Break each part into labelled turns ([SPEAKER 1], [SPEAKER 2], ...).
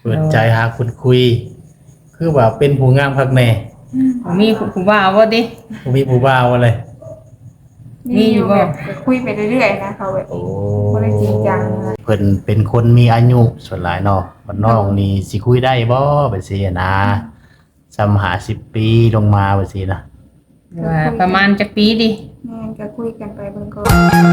[SPEAKER 1] เปิดใจหาคนคุยคือว่าเป็นผู้งามคักแน่
[SPEAKER 2] มีผู้บ่าวบ่ติ
[SPEAKER 1] บ่มีผู้บ่าวอะไร
[SPEAKER 2] มีอยู่บ่
[SPEAKER 3] แบบคุยไปเรื่อยๆนะเขาแบบบ่ได้จริงจังนะ
[SPEAKER 1] เพิ่นเป็นคนมีอายุส่วนหลายเนาะบ้านนอกนี่สิคุยได้บ่แบบซี่นะซ้ำ50 ปีลงมาแบบซี่นะ
[SPEAKER 2] ว่าประมาณจักปีดิ
[SPEAKER 3] แม่นก็คุยกันไปเบิ่งก่อน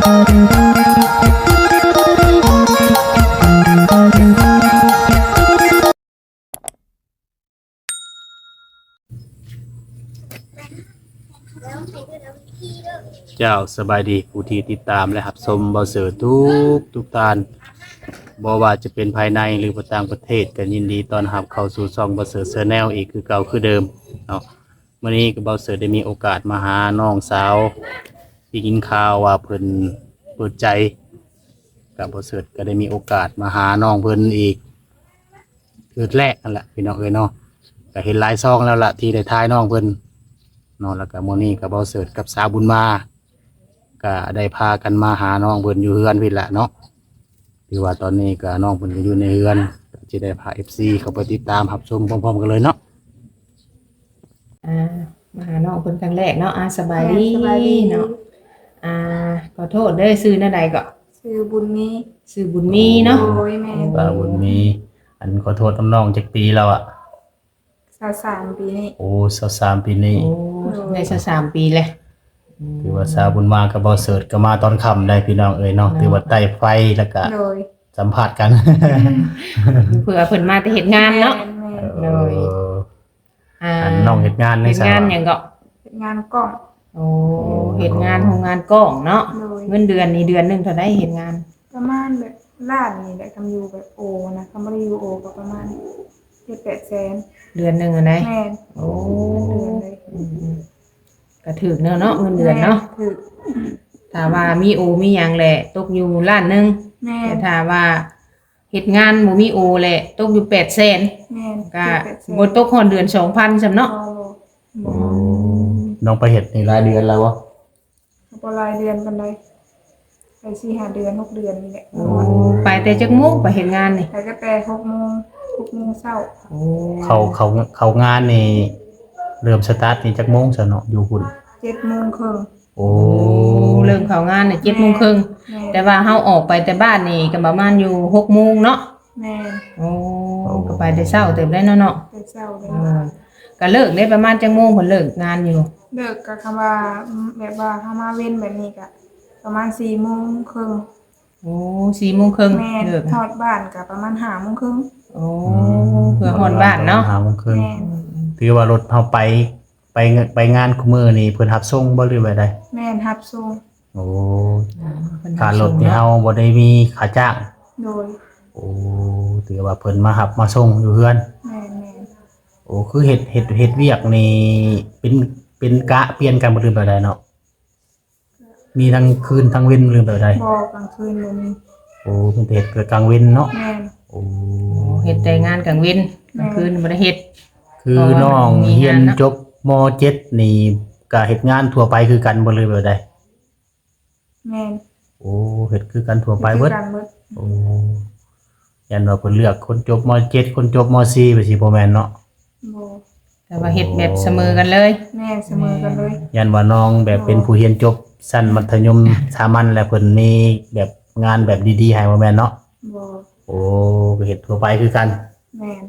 [SPEAKER 1] เจ้าสบายดีผู้ที่ติดตามและรับชมเบาเสือทุกตานบ่ว่าจะเป็นภายในหรือต่างประเทศก็ยินดีต้อนรับเข้าสู่ช่องเบาเสือแนลอีกคือเก่าคือเดิมเนาะมื้อนี้ก็เบาเสือได้มีโอกาสมาหาน้องสาวที่ยินข่าวว่าเพิ่นเปิดใจกับเบาเสือก็ได้มีโอกาสมาหาน้องเพิ่นอีกคือแรกนั่นแหละพี่น้องเอ้ยเนาะก็เห็นหลายซองแล้วล่ะที่ได้ทายน้องเพิ่นเนาะแล้วก็มื้อนี้ก็เบาเสือกับสาวบุญมาก็ได้พากันมาหาน้องเพิ่นอยู่เฮือนพี่ละเนาะถือว่าตอนนี้ก็น้องเพิ่นก็อยู่ในเฮือนก็จะได้พา FC เข้าไปติดตามรับชมพร้อมๆกันเลยเนาะ
[SPEAKER 2] มาหาน้องเพิ่นครั้งแรกเนาะสบายดีเนาะขอโทษเด้อซื้อแนวใดก็
[SPEAKER 3] ชื่อบุญมี
[SPEAKER 2] ซื้อบุญมีเนาะ
[SPEAKER 3] โอ้ยแม่
[SPEAKER 1] ว่าบุญมีอันขอโทษน้องจักปีแล้วอ่ะ
[SPEAKER 3] 23ปีนี้
[SPEAKER 1] โอ้23ปีนี้
[SPEAKER 2] โอ้ได้ซะ3ปีเลย
[SPEAKER 1] ถือว่าสาวบุญมากับบ่เสิร์ชก็มาตอนค่ำได้พี่น้องเอ้ยเนาะถือว่าใต้ไฟแล้วก็
[SPEAKER 3] โดย
[SPEAKER 1] สัมภาษณ์กัน
[SPEAKER 2] เผื่อเพิ่นมาแต่เฮ็ดงานเนาะโดย
[SPEAKER 1] อันน้องเฮ็ดงานใน
[SPEAKER 2] เฮ็ดงานหยังก็
[SPEAKER 3] เฮ็ดงานกล้อง
[SPEAKER 2] โอ้เฮ็ดงานโรงงานกล้องเนาะเงินเดือนนี่เดือนนึงเท่าใดเฮ็ดงาน
[SPEAKER 3] ประมาณแบบล้านนี่แหละทำอยู่แบบโอนะทำบ่ได้อยู่โอก็ประมาณ7-8 แสน
[SPEAKER 2] เดือนนึงอะไหน
[SPEAKER 3] แม่น
[SPEAKER 2] โอ้
[SPEAKER 3] เดือนเลย
[SPEAKER 2] ก็ถูกเนาะเงินเดือนเนาะ
[SPEAKER 3] ถูก
[SPEAKER 2] ถ้าว่ามีโอมีหยังแหละตกอยู่ล้านนึงแต่ถ้าว่าเฮ็ดงานบ่มีโอแหละตกอยู่800,000
[SPEAKER 3] แม่น
[SPEAKER 2] ก็บ่ตกฮอดเดือน 2,000 ซำเนาะ
[SPEAKER 1] น้องไปเฮ็ดนี่รายเดือนแล้วบ่
[SPEAKER 3] บ่รายเดือนปานใดไป4-5 เดือน6 เดือนนี่แหละ
[SPEAKER 2] ไปแต่จักโมงไปเฮ็ดงานนี่
[SPEAKER 3] ไปก็แต่6 โมง6 โมงเช้า
[SPEAKER 2] โอ้
[SPEAKER 1] เขางานนี่เริ่มสตาร์ทนี่จักโมงซะเนาะอยู่พุ่น
[SPEAKER 3] 7 โมงครึ่ง
[SPEAKER 1] โอ้
[SPEAKER 2] เริ่มเข้างานนี่7 โมงครึ่งแต่ว่าเฮาออกไปแต่บ้านนี่ก็ประมาณอยู่6 โมงเนาะ
[SPEAKER 3] แม่น
[SPEAKER 2] โอ้ก็ไปแต่เช้าเต็มได้เนาะ
[SPEAKER 3] แต่เช้าเลย
[SPEAKER 2] ก็เลิกได้ประมาณจักโมงเพิ่นเลิกงานอยู่
[SPEAKER 3] เลิกก็คำว่าแบบว่าเฮามาเว้นแบบนี้ก็ประมาณ4 โมงครึ่ง
[SPEAKER 2] โอ้4 โมงครึ่ง
[SPEAKER 3] เลิกฮอดบ้านก็ประมาณ5 โมงครึ่ง
[SPEAKER 2] โอ้เพื่อฮอดบ้านเนาะ
[SPEAKER 1] 5 โมงครึ่งถือว่ารถเฮาไปงานคุมื้อนี่เพิ่นรับส่งบ่หรือว่าใด
[SPEAKER 3] แม่นรับส่ง
[SPEAKER 1] โอ้ค่ารถนี่เฮาบ่ได้มีค่าจ้าง
[SPEAKER 3] โดย
[SPEAKER 1] โอ้ถือว่าเพิ่นมารับมาส่งอยู่เฮือน
[SPEAKER 3] แม่น
[SPEAKER 1] โอ้คือเฮ็ดเวียกนี่เป็นกะเปลี่ยนกันบ่หรือแบบใดเนาะมีทั้งคืนทั้งเว้นหรือแบบใด
[SPEAKER 3] บ่กลางคืนบ่มี
[SPEAKER 1] โอ้เพิ่นเฮ็ดเกิดกลางเว้นเนาะ
[SPEAKER 3] แม่น
[SPEAKER 1] โอ้
[SPEAKER 2] เฮ็ดแต่งานกลางเว้นกลางคืนบ่ได้เฮ็ด
[SPEAKER 1] คือน้องเรียนจบม.7 นี่ก็เฮ็ดงานทั่วไปคือกันบ่เลยแบบใด
[SPEAKER 3] แม่น
[SPEAKER 1] โอ้เฮ็ดคือกันทั่วไปเบิดโอ้ยันว่าเพิ่นเลือกคนจบม.7 คนจบม.4 ไปสิบ่แม่นเนาะ
[SPEAKER 3] บ่
[SPEAKER 2] แต่ว่าเฮ็ดแบบเสมอกันเลย
[SPEAKER 3] แม่นเสมอกันเลย
[SPEAKER 1] ยันว่าน้องแบบเป็นผู้เรียนจบชั้นมัธยมสามัญแล้วเพิ่นมีแบบงานแบบดีๆให้บ่แม่นเนาะ
[SPEAKER 3] บ่
[SPEAKER 1] โอ้ก็เฮ็ดทั่วไปคือกัน
[SPEAKER 3] แม่น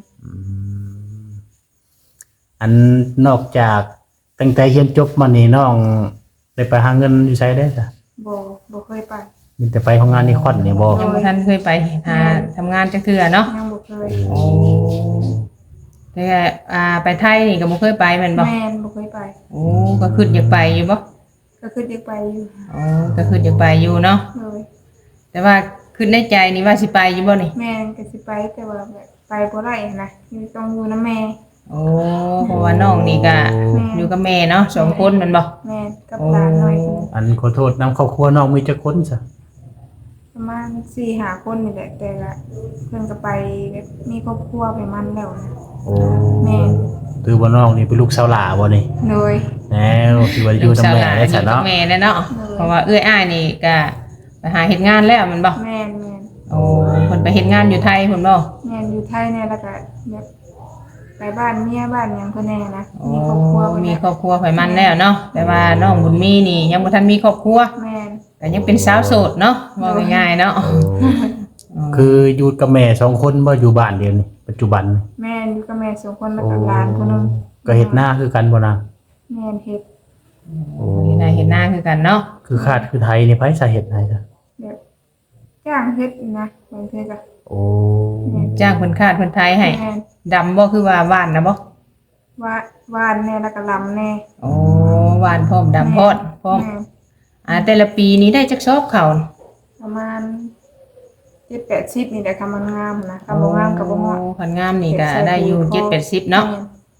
[SPEAKER 1] อันนอกจากตั้งแต่เรียนจบมานี่น้องได้ไปหาเงินอยู่ไสได้จ้ะ
[SPEAKER 3] บ่เคยไป
[SPEAKER 1] มีแต่ไปทำงานนี่คอนนี่บ่
[SPEAKER 2] ยังบ่ทันเคยไปหาทำงานจักเทื่อเนาะ
[SPEAKER 3] ยังบ่เคย
[SPEAKER 1] โอ้
[SPEAKER 2] แต่ไปไทยนี่ก็บ่เคยไปแม่นบ่
[SPEAKER 3] แม่นบ่เคยไป
[SPEAKER 2] โอ้ก็คิดอยากไปอยู่บ่
[SPEAKER 3] ก็คิดอยากไปอยู่
[SPEAKER 2] อ๋อก็คิดอยากไปอยู่เนาะแต่ว่าคิดในใจนี่ว่าสิไปอยู่บ่นี่
[SPEAKER 3] แม่นก็สิไปแต่ว่าแบบไปบ่ได้นะต้องอยู่นำแม่
[SPEAKER 2] โอ้เพราะว่าน้องนี่ก็อยู่กับแม่เนาะ2 คนแม่นบ่
[SPEAKER 3] แม่กับหลานน้อย
[SPEAKER 1] อันขอโทษนำครอบครัวน้องมีจักคนซะ
[SPEAKER 3] ประมาณ 4-5 คนนี่แหละแต่ละเพิ่นก็ไปแบบมีครอบครัวไปมันแล้วนะ
[SPEAKER 1] โอ้
[SPEAKER 3] แม่
[SPEAKER 1] คือว่าน้องนี่เป็นลูกสาวหล่าบ่นี่
[SPEAKER 3] โดย
[SPEAKER 1] แล้วคือว่าอยู่นำแม่ได้ซะเนาะ
[SPEAKER 2] แม่เนาะเพราะว่าเอื้อยอ้ายนี่ก็ไปหาเฮ็ดงานแล้วแม่นบ่
[SPEAKER 3] แม่น
[SPEAKER 2] โอ้เพิ่นไปเฮ็ดงานอยู่ไทยเพิ่นบ่
[SPEAKER 3] แม่นอยู่ไทยเนี่ยแล้วก็แบบไปบ้านเมียบ้านหยังเพิ่นแน่นะมีครอบครัวเพิ่น
[SPEAKER 2] มี
[SPEAKER 3] แน่
[SPEAKER 2] ครอบครัวไผมันแล้วเนาะแต่ว่าน้องบุญมีนี่ยังบ่ทันมีครอบครัว
[SPEAKER 3] แม่น
[SPEAKER 2] ก็ยังเป็นสาวโสดเนาะว่าง่ายๆเนาะ
[SPEAKER 1] คืออยู่กับแม่สองคนบ่อยู่บ้านเดียวนี่ปัจจุบันนี่
[SPEAKER 3] แม่นอยู่กับแม่สองคนแล้วก็หลานคนนึง
[SPEAKER 1] ก็เฮ็ดหน้าคือกันบ่นะ
[SPEAKER 3] แม่นเฮ็ด
[SPEAKER 2] เห็นหน้าคือกันเนาะ
[SPEAKER 1] คือคาดคือไทยนี่ไผสาเหตุไหนจ้ะ
[SPEAKER 3] แบบจ้างเฮ็ดนะบางทีก็
[SPEAKER 1] โอ้
[SPEAKER 2] จ้างเพิ่นคาดเพิ่นไทยให้
[SPEAKER 3] แม่น
[SPEAKER 2] ดำบ่คือว่าหวานนะบ่
[SPEAKER 3] ว่าหวานแน่แล้วก็ลำแน่
[SPEAKER 2] โอ้หวานพร้อมดำพร้อมพร้อม
[SPEAKER 3] แม่น
[SPEAKER 2] แต่ละปีนี้ได้จักซอบเขา
[SPEAKER 3] ประมาณ7-80นี่แหละค่ะมันงามนะถ้าบ่งามก็บ่เหมาะ
[SPEAKER 2] โอ้คันงามนี่ก็ได้อยู่7-80เนาะ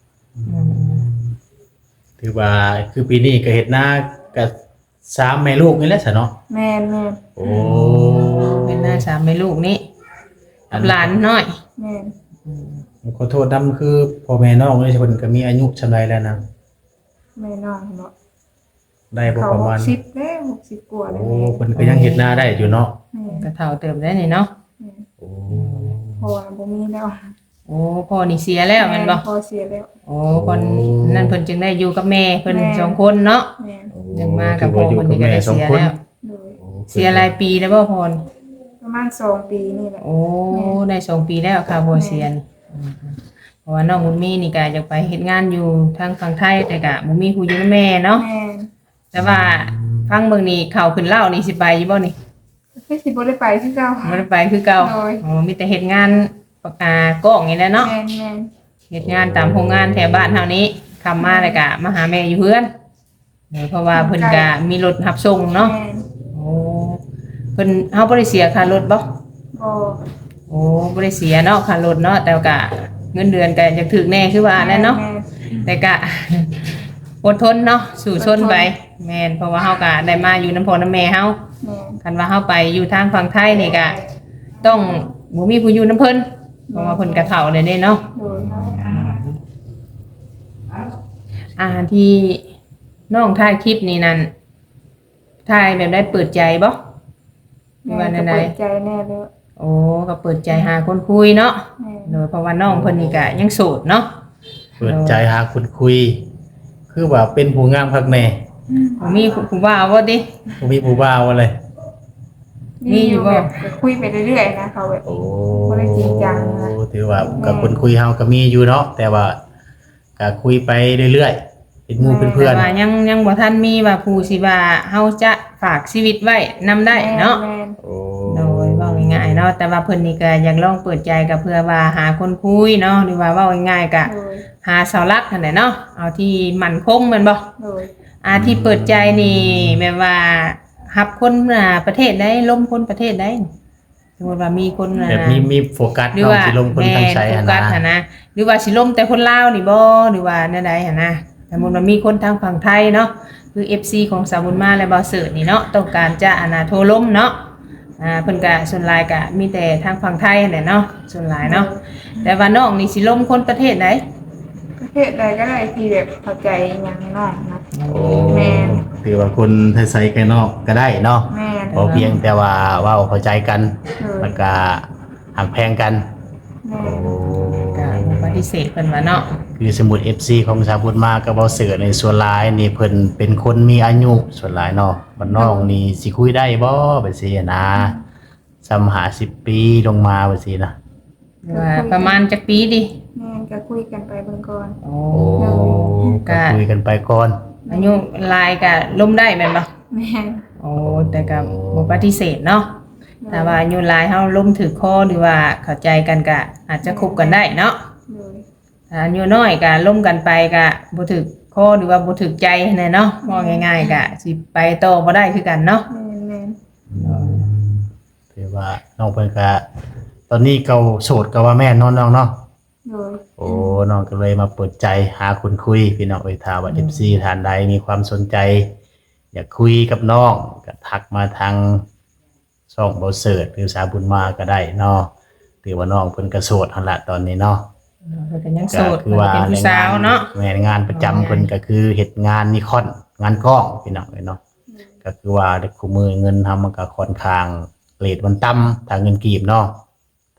[SPEAKER 1] ถือว่าคือปีนี้ก็เฮ็ดหน้ากับ3แม่ลูกนี่แหละซะเนาะ
[SPEAKER 3] แม่นแม่น
[SPEAKER 1] โอ้
[SPEAKER 2] เป็นหน้าสามแม่ลูกนี่กับหลานน้อย
[SPEAKER 3] แม่น
[SPEAKER 1] ขอโทษนำคือพ่อแม่น้องนี่เพิ่นก็มีอายุชำไรแล้วนะ
[SPEAKER 3] แม่น้องเนาะ
[SPEAKER 1] ได้บ่
[SPEAKER 3] เขา
[SPEAKER 1] ประมาณ
[SPEAKER 3] 60แล้ว60กว่าแล้ว
[SPEAKER 1] โอ้เพิ่นก็ยังเฮ็ดหน้าได้อยู่เนาะ
[SPEAKER 3] แม่น
[SPEAKER 2] ก็เฒ่าเติมได้นี่เนาะ
[SPEAKER 3] แม่น
[SPEAKER 1] โอ้
[SPEAKER 3] เพราะว่าบ่มีแล้ว
[SPEAKER 2] โอ้พ่อนี่เสียแล้วแม่นบ่
[SPEAKER 3] พอเสียแล้ว
[SPEAKER 2] โอ้คนนั่นเพิ่นจึงได้อยู่กับแม่เพิ่น
[SPEAKER 3] แม่
[SPEAKER 2] สองคนเนาะ
[SPEAKER 3] แม่น
[SPEAKER 2] ยังมากับพ่อเพิ่นนี่ก็ได้เสียแล้ว
[SPEAKER 3] โดย
[SPEAKER 2] เสียหลายปีแล้วบ่พร
[SPEAKER 3] ประมาณ2 ปีนี่แหละ
[SPEAKER 2] โอ้ได้2 ปีแล้วค่ะบ่เสียนเพราะว่าน้องบุญมีนี่ก็อยากไปเฮ็ดงานอยู่ทางฝั่งไทยแต่ก็บ่มีผู้อยู่นำแม่เนาะ
[SPEAKER 3] แม่น
[SPEAKER 2] แต่ว่าฟังเบิ่งนี่เข้าขึ้นเล่านี่สิไปอยู่บ่นี่
[SPEAKER 3] คือสิบ่ได้ไปคือเก่า
[SPEAKER 2] บ่ได้ไปคือเก่า
[SPEAKER 3] โอ้ย
[SPEAKER 2] อ๋อมีแต่เฮ็ดงานปากกากล้องนี่แหละเนาะ
[SPEAKER 3] แม่นแม่น
[SPEAKER 2] เฮ็ดงานตามโรงงานแถวบ้านเฮานี้คำมาแล้วก็มาหาแม่อยู่เฮือนเพราะว่าเพิ่นก็มีรถรับส่งเนาะ
[SPEAKER 3] แม่น
[SPEAKER 2] โอ้เพิ่นเฮาบ่ได้เสียค่ารถบ่
[SPEAKER 3] บ่
[SPEAKER 2] โอ้บ่ได้เสียเนาะค่ารถเนาะแต่ก็เงินเดือนก็ยังถึกแน่คือว่าแหล้วเนาะ
[SPEAKER 3] แม่
[SPEAKER 2] แต่ก็ อดทนเนาะสู้ชนไปแม่นเพราะว่าเฮาก็ได้มาอยู่นำพ่อนำแม่เฮา
[SPEAKER 3] แม่น
[SPEAKER 2] คันว่าเฮาไปอยู่ทางฝั่งไทยนี่ก็ต้องบ่มีผู้อยู่นำเพิ่นเพราะว่าเพิ่นก็เฒ่าเลยเด้เนาะ
[SPEAKER 3] โดย
[SPEAKER 2] ที่น้องถ่ายคลิปนี่นั่นถ่ายแบบได้เปิดใจบ่หรือว่า
[SPEAKER 3] แม่
[SPEAKER 2] แน
[SPEAKER 3] ก็
[SPEAKER 2] วใด
[SPEAKER 3] เปิดใจแน่เลย
[SPEAKER 2] โอ้ก็เปิดใจหาคนคุยเนาะ
[SPEAKER 3] แม่น
[SPEAKER 2] โดยเพราะว่าน้องเพิ่นนี่ก็ยังโสดเนาะ
[SPEAKER 1] เปิดใจหาคนคุย คือว่าเป็นผู้งามคักแน่
[SPEAKER 2] บ่มีผู้ว่าบ่ติ
[SPEAKER 1] บ่มีผู้บ่าวอะไร
[SPEAKER 2] มีอยู่บ่
[SPEAKER 3] แบบคุยไปเรื่อยๆนะเขาแบบ
[SPEAKER 1] โอ้
[SPEAKER 3] บ่ได้จริงจังนะ
[SPEAKER 1] ถือว่ากับคนคุยเฮาก็มีอยู่เนาะแต่ว่าก็คุยไปเรื่อยๆเป็นหมู่เป็นเพื่อน
[SPEAKER 2] แต่ว่ายังบ่ทันมีว่าผู้สิว่าเฮาจะฝากชีวิตไว้นำได้เนาะ
[SPEAKER 3] แม่น
[SPEAKER 1] โอ้
[SPEAKER 2] โดยเว้าง่ายๆเนาะแต่ว่าเพิ่นนี่ก็อยากลองเปิดใจก็เพื่อว่าหาคนคุยเนาะหรือว่าเว้าง่ายๆก็
[SPEAKER 3] โดย
[SPEAKER 2] หาเสาหลักนั่นแหละเนาะเอาที่มั่นคงแม่นบ่
[SPEAKER 3] โดย
[SPEAKER 2] ที่เปิดใจนี่แบบว่ารับคนประเทศใดล้มคนประเทศใดสมมุติว่ามีคน
[SPEAKER 1] แบบมีโฟกัส
[SPEAKER 2] หรือ
[SPEAKER 1] เนาะ
[SPEAKER 2] ว่า
[SPEAKER 1] สิลงคนทางไส
[SPEAKER 2] โฟ
[SPEAKER 1] หั่น
[SPEAKER 2] กัส
[SPEAKER 1] นะ
[SPEAKER 2] หั่นนะหรือว่าสิล้มแต่คนลาวนี่บ่หรือว่าแนวใดหั่นนะสมมุติว่ามีคนทางฝั่งไทยเนาะคือ FC ของสาวบุญมาและบ่าวเสิร์ชนี่เนาะต้องการจะโทรล้มเนาะเพิ่นก็ส่วนหลายก็มีแต่ทางฝั่งไทยนั่นแหละเนาะส่วนหลายเนาะแต่ว่าน้องนี่สิล้มคนประเทศใด
[SPEAKER 3] ประเทศใดก็ได้ที่แบบเข้าใจอย่างน้องนะ
[SPEAKER 1] โอ้
[SPEAKER 3] แม่น
[SPEAKER 1] ถือว่าคนไทยๆกันนอกก็ได้เนาะ
[SPEAKER 3] แม่น
[SPEAKER 1] พอเพียงแต่ว่าเว้าเข้าใจกัน
[SPEAKER 3] โดย
[SPEAKER 1] แล้วก็หักแพงกัน
[SPEAKER 3] แม่
[SPEAKER 1] โอ้
[SPEAKER 2] ก็บ่ปฏิเสธเพิ่นว่าเนาะ
[SPEAKER 1] คือสมุด FC ของสาวพุทธมาก็บ่เสือในส่วนหลายนี่เพิ่นเป็นคนมีอายุส่วนหลายเนาะบ้านนอกนี่สิคุยได้บ่แบบซี่นะซ้ำหา10 ปีลงมาแบบซี่นะ
[SPEAKER 2] หรือว่าประมาณจักปีดิ
[SPEAKER 3] แม่นก็คุยกันไปเบิ่งก่อน
[SPEAKER 2] โอ้
[SPEAKER 1] โอ้ก็คุยกันไปก่อน
[SPEAKER 2] อายุหลายก็ล้มได้แม่นบ่
[SPEAKER 3] แม่น
[SPEAKER 2] โอ้แต่ก็บ่ปฏิเสธเนาะถ้าว่าอายุหลายเฮาล้มถือคอหรือว่าเข้าใจกันก็อาจจะคบกันได้เนาะ
[SPEAKER 3] โดย
[SPEAKER 2] ถ้าอายุน้อยก็ล้มกันไปก็บ่ถือคอหรือว่าบ่ถือใจแน่เนาะว่าง่ายๆก็สิไปต่อบ่ได้คือกันเนาะ
[SPEAKER 3] แม่นแม่น
[SPEAKER 1] ถือว่าน้องเพิ่นก็ตอนนี้เขาโสดก็ว่าแม่นน้องเนาะ
[SPEAKER 3] โดย
[SPEAKER 1] โอ้น้องก็เลยมาเปิดใจหาคนคุยพี่น้องเอ้ยถ้าว่า FC ท่านใดมีความสนใจ อยากคุยกับน้องก็ทักมาทางช่องเบาเสิร์ชหรือสาวบุญมาก็ได้เนาะถือว่าน้องเพิ่นก็โสดหั่นละตอนนี้เนาะ
[SPEAKER 2] เพิ่นก็ยังโส
[SPEAKER 1] ก็
[SPEAKER 2] ด
[SPEAKER 1] คือว่า
[SPEAKER 2] เป็นผู้สาวเนาะ
[SPEAKER 1] แม่นงานประจำเพิ่นก็คือเฮ็ดงานนิคอนงานกล้องพี่น้องเอ้ยเนาะก็คือว่าเด็กคู่มือเงินทำมันก็ค่อนข้างเรทมันต่ำถ้าเงินกีบเนาะถ้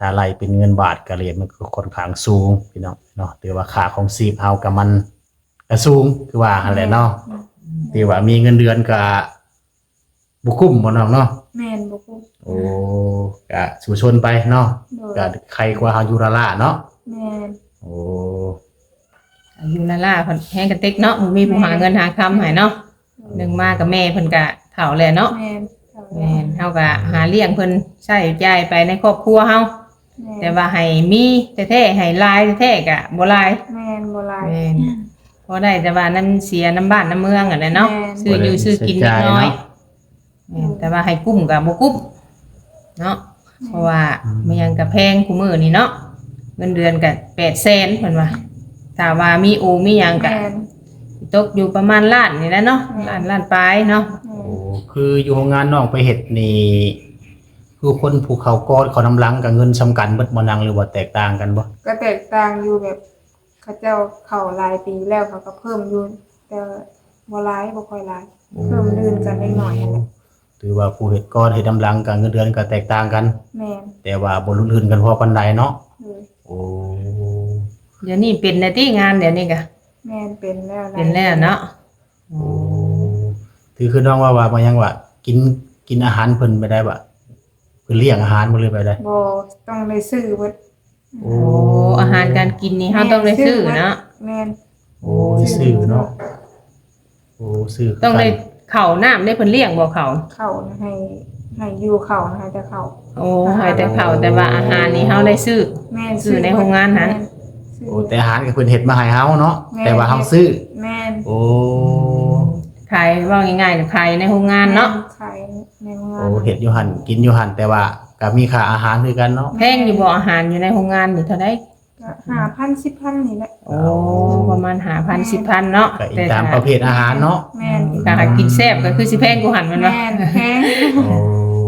[SPEAKER 1] ถ้าไล่เป็นเงินบาทก็เรทมันก็ค่อนข้างสูงพี่น้องเนาะถือว่าค่าของชีพเฮากับมันก็สูงคือว่าหั่นแหละเนาะถือว่ามีเงินเดือนก็บ่คุ้มบ่น้องเนาะ
[SPEAKER 3] แม่นบ่คุ้ม
[SPEAKER 1] โอ้ก็สู่ชนไปเนาะ
[SPEAKER 3] โดย
[SPEAKER 1] ก็ใครกว่าเฮาอยู่ละล่ะเนาะ
[SPEAKER 3] แม่น
[SPEAKER 1] โอ้
[SPEAKER 2] อยู่ละล่าเพิ่นแฮงกระเต็กเนาะบ่มีผู้หาเงินหาคำให้เนาะหนึงมากับแม่เพิ่นก็เฒ่าแล้วเนาะ
[SPEAKER 3] แม่นเอา
[SPEAKER 2] แม่นเฮาก็หาเลี้ยงเพิ่นใช้จ่ายไปในครอบครัวเฮา
[SPEAKER 3] แม่
[SPEAKER 2] แต่ว่าให้มีแท้ๆให้หลายแท้ๆก็บ่หลาย
[SPEAKER 3] แม่นบ่หลาย
[SPEAKER 2] แม่นพอได้แต่ว่าน้ำเสียน้ำบ้านน้ำเมืองอ่ะนะเนาะ
[SPEAKER 3] แม่น
[SPEAKER 2] ซื้ออยู่ซื้อกินเล็กน้อยแม่นแต่ว่าให้กุ้มก็บ่กุ้มเนาะเพราะว่ามันยังก็แพงคู่มื้อนี่เนาะเงินเดือนก็800,000เพิ่นว่าถ้าว่ามีโอมีหยังก็
[SPEAKER 3] แม่น
[SPEAKER 2] ตกอยู่ประมาณล้านนี่แหละเนาะล้านปลายเนาะ
[SPEAKER 1] โอ้คืออยู่โรงงานน้องไปเฮ็ดนี่คือคนภูเขากอดเขาน้ำหลังกับเงินสำคัญเบิดบ่นังหรือว่าแตกต่างกันบ่
[SPEAKER 3] ก็แตกต่างอยู่แบบเขาเจ้าเข้าหลายปีแล้วเขาก็เพิ่มอยู่แต่บ่หลายบ่ค่อยหลายเพิ่มลื่นกันเล็กน้อยนั่นแหละ
[SPEAKER 1] ถือว่าผู้เฮ็ดกอดเฮ็ดน้ำหลังกับเงินเดือนก็แตกต่างกัน
[SPEAKER 3] แม่น
[SPEAKER 1] แต่ว่าบ่รุนแรงกันพอปานใดเนาะ
[SPEAKER 3] เลย
[SPEAKER 1] โอ้
[SPEAKER 2] เดี๋ยวนี้เป็นได้ที่งานเดี๋ยวนี้ก็
[SPEAKER 3] แม่นเป็นแล้วหาย
[SPEAKER 2] เป็นแล้วเนาะ
[SPEAKER 1] โอ้คือน้องว่ามายังว่ากินอาหารเพิ่นไปได้บ่เพิ่นเลี้ยงอาหารบ่เลยไปได้
[SPEAKER 3] บ่ต้องได้ซื้อเบิด
[SPEAKER 1] โอ้
[SPEAKER 2] โอ้อาหารการกินนี่เฮาต้องได้ซื้อเนาะ
[SPEAKER 3] แม่น
[SPEAKER 1] โอ้ซื้อเนาะโอ้ซื้อ
[SPEAKER 2] ต้องได้ข้าวน้ำได้เพิ่นเลี้ยงบ่ข้าว
[SPEAKER 3] เข้านะให้อยู่เข้านะคะแต่เข้า
[SPEAKER 2] โอ้ให้แต่ข้าวแต่ว่าอาหารนี่เฮาได้ซื้อ
[SPEAKER 3] แม่น
[SPEAKER 2] ซื้อในโรงงานนะ
[SPEAKER 3] แม่ซื้อ
[SPEAKER 1] โอ้แต่อาหารก็เพิ่นเฮ็ดมาให้เฮาเนาะ
[SPEAKER 3] แม่
[SPEAKER 1] แต่ว่าเฮาซื้อ
[SPEAKER 3] แม่น
[SPEAKER 1] โอ้
[SPEAKER 2] ขายว่าง่ายๆก็ขายในโรงงานเนาะ
[SPEAKER 3] ขายในโรงงาน
[SPEAKER 1] โอ้เฮ็ดอยู่หั่นกินอยู่หั่นแต่ว่าก็มีค่าอาหารคือกันเนาะ
[SPEAKER 2] แพงอยู่บ่อาหารอยู่ในโรงงานนี่เท่าได
[SPEAKER 3] ก็5,000 10,000นี่แหละ
[SPEAKER 2] โอ้ประมาณ5,000 10,000เนาะ
[SPEAKER 1] ก็อีกตามประเภทอาหารเนาะ
[SPEAKER 3] แม่น
[SPEAKER 2] ถ้าหากกินแซ่บก็คือสิแพงกว่าหันแมันบ่
[SPEAKER 3] แม่นแพง
[SPEAKER 1] โอ้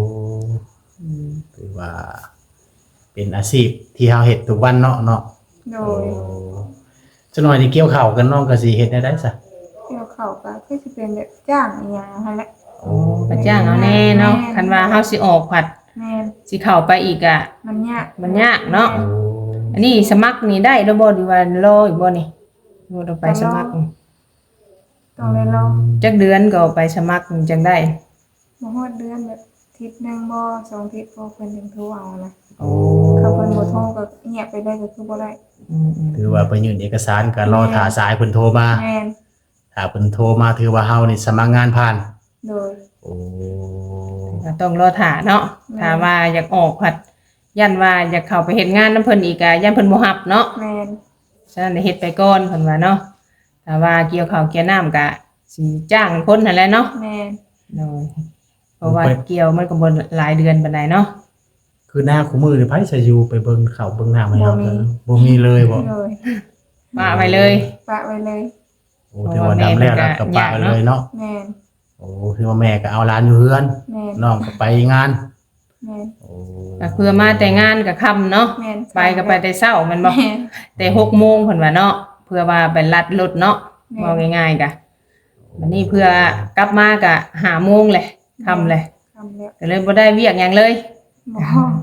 [SPEAKER 1] ถือว่า เป็นอาชีพที่เฮาเฮ็ดทุกวันเนาะ
[SPEAKER 3] โด
[SPEAKER 1] โอ้
[SPEAKER 3] ย
[SPEAKER 1] จักหน่อยนี่เกี่ยวข้าวกันน้องก็สิเฮ็ดได้ซะ
[SPEAKER 3] เกี่ยวเข้าก็คือสิเป็นแบบจ้างอีหยังหั่นแหละ
[SPEAKER 1] โอ้
[SPEAKER 2] ก็จ้างเอาแน่เนาะคันว่าเฮาสิออกผัด
[SPEAKER 3] แม่น
[SPEAKER 2] สิเข้าไปอีกอ่ะ
[SPEAKER 3] มันยาก
[SPEAKER 2] มันยากเนาะ
[SPEAKER 1] โอ้
[SPEAKER 2] อันนี้สมัครนี่ได้แล้วบ่หรือว่ารออีกบ่นี่บ่ต้องไปสมัคร
[SPEAKER 3] ต้องเลยรอ
[SPEAKER 2] จักเดือนก็ไปสมัครจังได้
[SPEAKER 3] บ่ฮอดเดือนแบบทิศหนึงบ่2ทิศบ่เพิ่นถึงโทรเอานะ
[SPEAKER 2] โอ้
[SPEAKER 3] เขาเพิ่นบ่โทรก็เงียบไปเลยก็คือบ่ได้
[SPEAKER 2] อืม
[SPEAKER 1] ถือว่าไปยื่นเอกสารก็รอท่าสายเพิ่นโทรมา
[SPEAKER 3] แม่น
[SPEAKER 1] ถ้าเพิ่นโทรมาถือว่าเฮานี่สมัครงานผ่าน
[SPEAKER 3] โดย
[SPEAKER 1] โอ้
[SPEAKER 2] ก็ต้องรอท่าเนาะถ้าว่าอยากออกผัดยันว่าอยากเข้าไปเฮ็ดงานนํเพิ่นอีกอ่ะยันเพิ่นบ่รับเนาะ
[SPEAKER 3] แม่น
[SPEAKER 2] ฉะนั้นเฮ็ดไปก่อนเพิ่นว่าเนาะถ้าว่าเกี่ยวข้าวเกี่ยวน้ำก็สิจ้างคนนั่นแหละเนาะ
[SPEAKER 3] แม่น
[SPEAKER 2] โดยเพราะว่าเกี่ยวมันก็บ่หลายเดือนปานใดเนาะ
[SPEAKER 1] คือหน้าคู่มือนี่ไผสิอยู่ไปเบิ่งข้าวเบิ่งน้ำให้เฮากันบ่มีเลยบ่
[SPEAKER 3] โดย
[SPEAKER 2] ว่าไปเลย
[SPEAKER 3] ปะไว้เลย
[SPEAKER 1] โอ้ถือว่าดำแล้วก็ปะไปเลยเนาะ
[SPEAKER 3] แม่น
[SPEAKER 1] โอ้คือว่าแม่ก็เอาหลานอยู่เฮือน
[SPEAKER 3] แม่น
[SPEAKER 1] น้องก็ไปงาน
[SPEAKER 3] แม่น
[SPEAKER 1] โอ้
[SPEAKER 2] ก็เพื่อมาแต่งานก็ค่ำเนาะ
[SPEAKER 3] แม่น
[SPEAKER 2] ไปก็ไปแต่เช้ามันบ่
[SPEAKER 3] แม่น
[SPEAKER 2] แต่6โมงเพิ่นว่าเนาะเพื่อว่าไปลัดรถเนาะ
[SPEAKER 3] แม่
[SPEAKER 2] ว่าง่ายๆก็วันนี้เพื่อกลับมาก็5โมงแหละค่ำเลย
[SPEAKER 3] ทำแล้ว
[SPEAKER 2] ก็เลยบ่ได้เวียกหยังเลย
[SPEAKER 3] บ่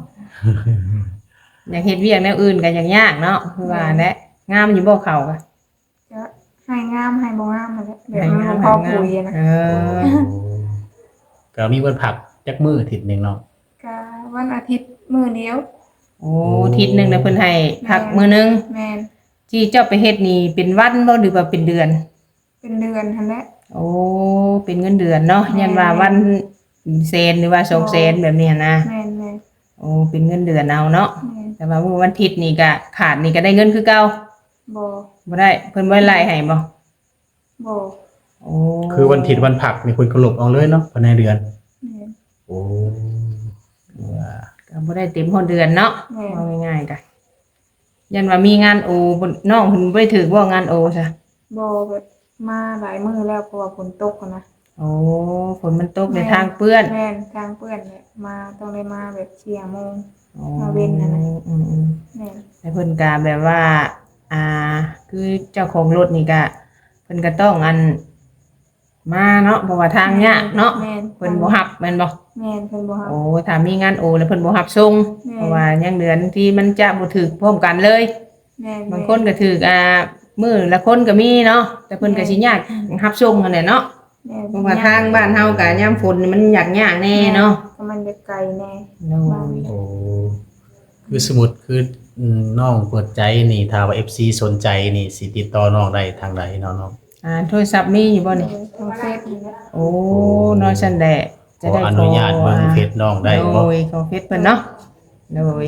[SPEAKER 2] อยากเฮ็ดเวียกแนวอื่นก็ยังยากเนาะคือว่าแหละงามอยู่บ่เขาก็
[SPEAKER 3] จะให้งามให้บ่งามนั่นแหละแบบมันบ่พอคุยนะ
[SPEAKER 2] เออ
[SPEAKER 1] ก็มีวันผักจักมื้ออาทิตย์หนึงเนาะ
[SPEAKER 3] ก็วันอาทิตย์มื้อเดียว
[SPEAKER 2] โอ้อาทิตย์หนึงน่ะเพิ่นให้พักมื้อหนึง
[SPEAKER 3] แม่น
[SPEAKER 2] ที่เจ้าไปเฮ็ดนี่เป็นวันบ่หรือว่าเป็นเดือน
[SPEAKER 3] เป็นเดือนหั่นแหละ
[SPEAKER 2] โอ้เป็นเงินเดือนเนาะยันว่าวันเซนหรือว่า2เซนแบบนี้นะ
[SPEAKER 3] แม่นแม่น
[SPEAKER 2] โอ้เป็นเงินเดือนเอาเนาะ
[SPEAKER 3] แม่น
[SPEAKER 2] แต่ว่ามื้อวันอาทิตย์นี่ก็ขาดนี่ก็ได้เงินคือเก่า
[SPEAKER 3] บ่
[SPEAKER 2] บ่ได้เพิ่นบ่ได้ไล่ให้บ่
[SPEAKER 3] บ่
[SPEAKER 2] โอ้
[SPEAKER 1] คือวันอาทิตย์วันผักมีคนกระลบเอาเลยเนาะภายในเดือน
[SPEAKER 3] แม่น
[SPEAKER 1] โอ้ว่า
[SPEAKER 2] ก็บ่ได้เต็มฮอดเดือนเนาะ
[SPEAKER 3] แม่น
[SPEAKER 2] เอาง่ายๆก็ยันว่ามีงานโอบ่น้องเพิ่นบ่ได้ถือว่างานโอซะ
[SPEAKER 3] บ่แบบมาหลายมื้อแล้วเพราะว่าฝนตกอะนะ
[SPEAKER 2] โอ้ฝนมันตกในทางเปื้อน
[SPEAKER 3] แม่นทางเปื้อนเนี่ยมาต้องได้มาแบบ4 โมง
[SPEAKER 2] อ๋อ
[SPEAKER 3] มาเว้นน่ะนะ
[SPEAKER 2] อืม
[SPEAKER 3] แม่น
[SPEAKER 2] ๆแต่เพิ่นก็แบบว่า คือเจ้าของรถนี่ก็เพิ่นก็ต้องมาเนาะเพราะว่าทางยากเนาะ
[SPEAKER 3] แม่น
[SPEAKER 2] เพิ่นบ่รับแม่นบ่
[SPEAKER 3] แม่นเพิ่นบ่ฮับ
[SPEAKER 2] โอ้ถ้ามีงานโอแล้วเพิ่นบ่รับส่ง
[SPEAKER 3] แม่น
[SPEAKER 2] เพราะว่ายังเดือนที่มันจะบ่ถึกพร้อมกันเลย
[SPEAKER 3] แม่น
[SPEAKER 2] บางคนก็ถึกมื้อละคนก็มีเนาะแต่เพิ่นก็สิยากรับส่งนั่นแหละเนาะ
[SPEAKER 3] แม่น
[SPEAKER 2] เพราะว่าทางบ้านเฮาก็ยามฝนนี่มันยากแน่เนาะ
[SPEAKER 3] ก็มันจะไกลแน่
[SPEAKER 2] โอ้ย
[SPEAKER 1] โอ้คือสมมุติคือน้องเปิดใจนี่ถ้าว่า FC สนใจนี่สิติดต่อน้องได้ทางใดเนาะน้อง
[SPEAKER 2] โทรศัพท์มีอยู่บ่นี่
[SPEAKER 3] ทางเฟซนี่แหละ
[SPEAKER 2] โอ้น้อยซั่นแหละ
[SPEAKER 1] ขออนุญาตเบิ่งเพจน้องได้บ่
[SPEAKER 2] โดยของเฟซเพิ่นเนาะโดย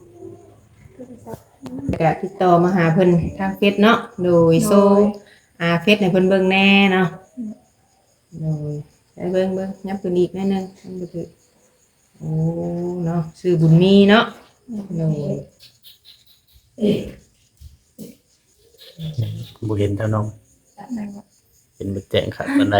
[SPEAKER 2] ก็ติดต่อมาหาเพิ่นทางเฟซเนาะโดยโซเฟซให้เพิ่นเบิ่งแน่เนาะโดยไปเบิ่งยับตัวนี้อีกนิดนึงมันบ่ถือโอ้เนาะชื่อบุญมีเนาะโดย
[SPEAKER 1] บ่เห็นเท่าน้อง
[SPEAKER 3] นั่นแหละ
[SPEAKER 1] เป็นบ่แจ้งครับปานใด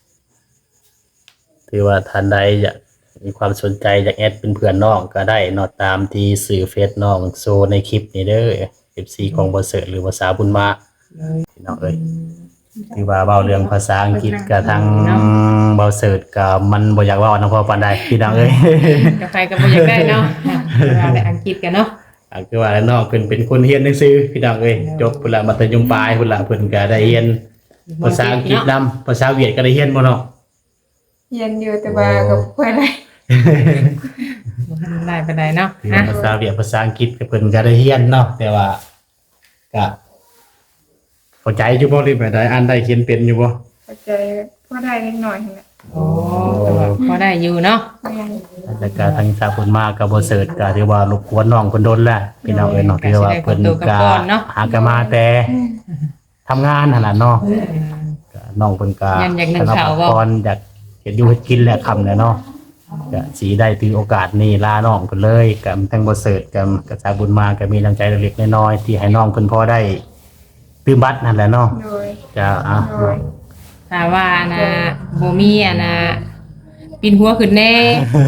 [SPEAKER 1] ถือว่าท่านใดอยากมีความสนใจอยากแอดเป็นเพื่อนน้องก็ได้เนาะตามที่สื่อเฟซน้องโซในคลิปนี้เด้อ FC ของบ่เสิร์ชหรือภาษาบุญมา
[SPEAKER 2] โดย
[SPEAKER 1] พี่น้องเอ้ยถือว่าเว้าเรื่องภาษาอังกฤษก็ทางเว้าเสิร์ชก็มันบ่อยากเว้านำพอปานใดพี่น้องเอ้ย
[SPEAKER 2] กาแฟก็บ่อยากได้เนาะเราได้อังกฤษกันเนาะ
[SPEAKER 1] คือว่าแล้วน้องเพิ่นเป็นคนเรียนหนังสือพี่น้องเอ้ยจบพุ่นละมัธยมปลายพุ่นละเพิ่นก็ได้เรียนภาษาอังกฤษนำภาษาเวียดก็ได้เรียนบ่เนาะ
[SPEAKER 3] เรียนอยู่แต่ว่าก็บ่ค่อยได้
[SPEAKER 2] บ่ทันได้ปานใดเนาะ
[SPEAKER 1] คือว่าภาษาเวียดภาษาอังกฤษก็เพิ่นก็ได้เรียนเนาะแต่ว่าก็เข้าใจอยู่บ่หรือแบบใดอ่านได้เขียนเป็นอยู่บ่
[SPEAKER 3] เข้าใจพอได้เล็กน้อยนั่นแหละ
[SPEAKER 2] โอ้แต่ว่าพอได้อยู่เนาะ
[SPEAKER 3] แม่น
[SPEAKER 1] แต่ก็ทางสาเพิ่นมาก็บ่เสิร์ชก็ถือว่ารบกวนน้องเพิ่นโดนแล้วพี่น้องเอ้ยเนาะถือว่าเพิ่นก็หากันมาแต่ทำงานหั่นล่ะเนาะ ก็น้องเพิ่นก็
[SPEAKER 2] ยังอยากนึ่งข้าวบ่
[SPEAKER 1] ก่อนอยากเฮ็ดอยู่เฮ็ดกินแหละค่ำแล้วเนาะก็สิได้ถือโอกาสนี้ลาน้องเพิ่นเลยกับทั้งบ่เสิร์ชกับกระจาบุญมาก็มีน้ำใจเล็กๆน้อยๆที่ให้น้องเพิ่นพอได้ตื้มบัตรนั่นแหละเนาะ
[SPEAKER 3] โดย
[SPEAKER 1] จะ
[SPEAKER 3] โดย
[SPEAKER 2] ถ้าว่าบ่มีปินหัวขึ้นแน่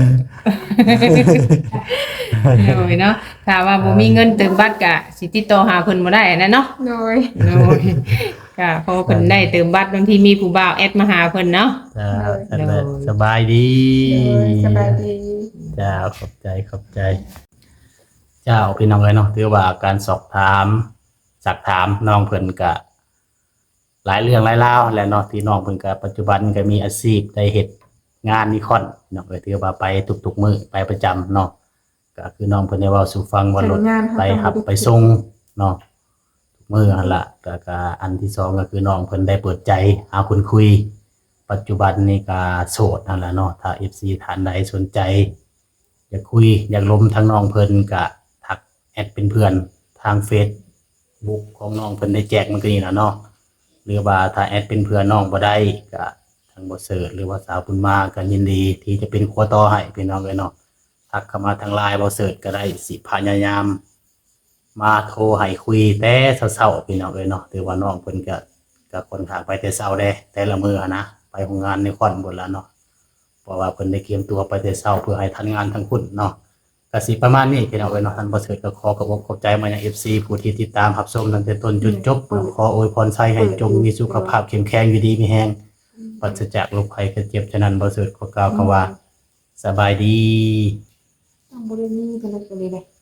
[SPEAKER 2] โดยเนาะถ้าว่าบ่มีเงินเติมบัตรก็สิติดต่อหาเพิ่นบ่ได้นะเนาะ
[SPEAKER 3] โดย
[SPEAKER 2] โดยก็พอเพิ่นได้เติมบัตรบางทีมีผู้บ่าวแอดมาหาเพิ่นเนาะ
[SPEAKER 1] จะสบายดี
[SPEAKER 3] โดยสบายดี
[SPEAKER 1] จ้าขอบใจเจ้าพี่น้องเอ้ยเนาะถือว่าการสอบถามสักถามน้องเพิ่นก็หลายเรื่องหลายราวแหละเนาะที่น้องเพิ่นก็ปัจจุบันก็มีอาชีพได้เฮ็ดงานนิคอนเนาะก็ถือว่าไปทุกๆมื้อไปประจำเนาะก็คือน้องเพิ่นได้เว้าสู่ฟังว่ารถไปหับไปส่งเนาะทุกมื้อหั่นล่ะแล้วก็อันที่สองก็คือน้องเพิ่นได้เปิดใจหาคนคุย ปัจจุบันนี่ก็โสดนั่นแหละเนาะถ้า FC ท่านใดสนใจอยากคุยอยากล้มทางน้องเพิ่นก็ทักแอดเป็นเพื่อนทางเฟซบุ๊กของน้องเพิ่นได้แจกมันก็นี่ล่ะเนาะหรือว่าถ้าแอดเป็นเพื่อนน้องบ่ได้ก็ทางบ่เสิร์ชหรือว่าสาวบุญมาก็ยินดีที่จะเป็นครัวต่อให้พี่น้องเอ้ยเนาะทักเข้ามาทาง LINE บ่เสิร์ชก็ได้สิพยายามมาโทรให้คุยแต่เช้าๆพี่น้องเอ้ยเนาะถือว่าน้องเพิ่นก็ค่อนข้างไปแต่เช้าเด้แต่ละมื้ออะนะไปโรงงานในคอนหมดแล้วเนาะเพราะว่าเพิ่นได้เตรียมตัวไปแต่เช้าเพื่อให้ทันงานทั้งคุณเนาะก็สิประมาณนี้พี่น้องเอ้ยเนาะท่านบ่เสิร์ชก็ขอขอบใจมายัง FC ผู้ที่ติดตามรับชมตั้งแต่ต้นจนจบขออวยพรให้จงมีสุขภาพเข้มแข็งอยู่ดีมีแรงปราศจากโรคภัยไข้เจ็บฉะนั้นบ่เสิร์ชขอกล่าวคำว่าสบายดี
[SPEAKER 3] ต้องบ่ได้มีกันเลย